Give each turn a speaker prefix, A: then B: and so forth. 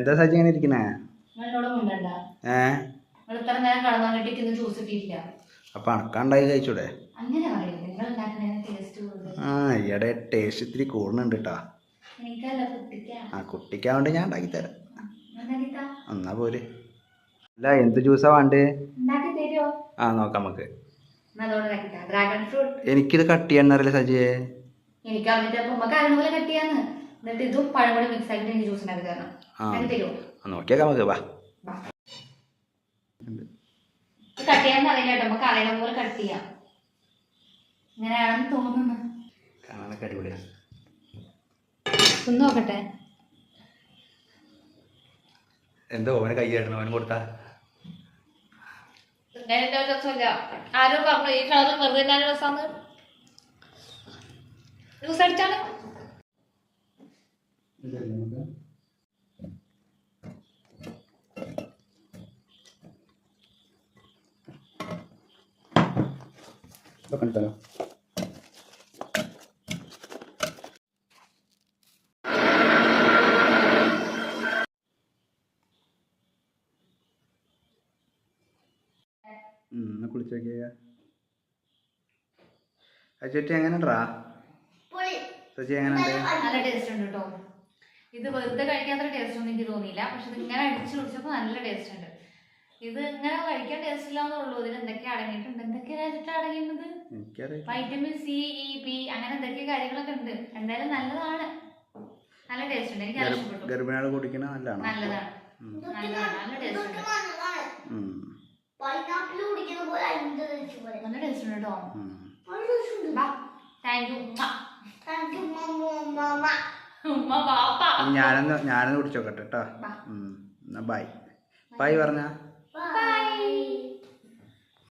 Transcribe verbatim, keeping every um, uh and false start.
A: എന്താ സജി ഇങ്ങനെ ഇരിക്കണേ? ഏ അപ്പൊ അണക്കാണ്ടായി കഴിച്ചൂടെ? ആ ഈയിടെ ടേസ്റ്റ് ഇത്തിരി കൂടുന്നുണ്ട് കേട്ടാ. ആ കുട്ടിക്കാവണ്ട് ഞാൻ ഉണ്ടാക്കി തരാം. എന്നാ പോര്. അല്ല എന്ത് ജ്യൂസാ വേണ്ടേ? ആ നോക്കാം നമുക്ക്. എനിക്കിത് കട്ട് ചെയ്യാന്നറിയില്ല സജിയെ.
B: എനിക്ക് പോലെ കട്ട് ചെയ്യാന്ന്. എന്നിട്ട് ഇതും പഴം കൂടി മിക്സ് ആക്കിട്ട് എനിക്ക് ജ്യൂസ് ഉണ്ടാക്കി തരണം.
A: നോക്കിയാക്കാം നമുക്ക്. വാ
B: കട്ട് ചെയ്യാൻ അറിയില്ല കേട്ടോ. നമുക്ക് അറിയണ പോലെ കട്ട് ചെയ്യാം. ഇങ്ങനെയാണെന്ന് തോന്നുന്നു.
A: കാണാനൊക്കെ അടിപൊളിയാ.
B: ഒന്ന് നോക്കട്ടെ.
A: എന്തോ ഓനെ കൈ ആയിരുന്നു ഓന് കൊടുത്താ.
B: ആരും പറഞ്ഞു ഈ കളർ വെറുതെ രസാന്ന്. ജ്യൂസ് അടിച്ചാണ്.
A: കണ്ടോ കുളിച്ചോക്കിയ ചേച്ചി എങ്ങനെണ്ടാ? ചേച്ചി എങ്ങനെയുണ്ട്?
B: നല്ല ടേസ്റ്റ് ഉണ്ട് കേട്ടോ. ഇത് വെറുതെ കഴിക്കാത്ത ടേസ്റ്റ് ഒന്നും എനിക്ക് തോന്നിയില്ല. പക്ഷെ ഇത് ഇങ്ങനെ അടിച്ചു കുടിച്ചപ്പോൾ നല്ല ടേസ്റ്റ് ഉണ്ട്. ഇത് ഇങ്ങനെ കഴിക്കാൻ ടേസ്റ്റ് ഇല്ലാന്നുള്ളൂ. ഇതിൽ എന്തൊക്കെ അടങ്ങിയിട്ടുണ്ട്, എന്തൊക്കെയായിട്ട് അടങ്ങിയിട്ടുണ്ട്? വൈറ്റമിൻ സി, ഇ, പി അങ്ങനെ എന്തൊക്കെ കാര്യങ്ങളൊക്കെ ഉണ്ട്. എന്തായാലും നല്ലതാണ്. നല്ല ടേസ്റ്റ് ഉണ്ട്. എനിക്ക് നല്ല ഇഷ്ടപ്പെട്ടു.
A: ഗർഭിണികൾ കുടിക്കണ നല്ലതാണ്.
B: നല്ലതാണ്. നല്ല ടേസ്റ്റ് ഉണ്ട്. നല്ല ടേസ്റ്റ് ഉണ്ട് കേട്ടോ. Thank you.
A: ഞാനൊന്ന് ഞാനൊന്ന് കുടിച്ചോക്കട്ടെ കേട്ടോ. ബൈ ബൈ പറഞ്ഞ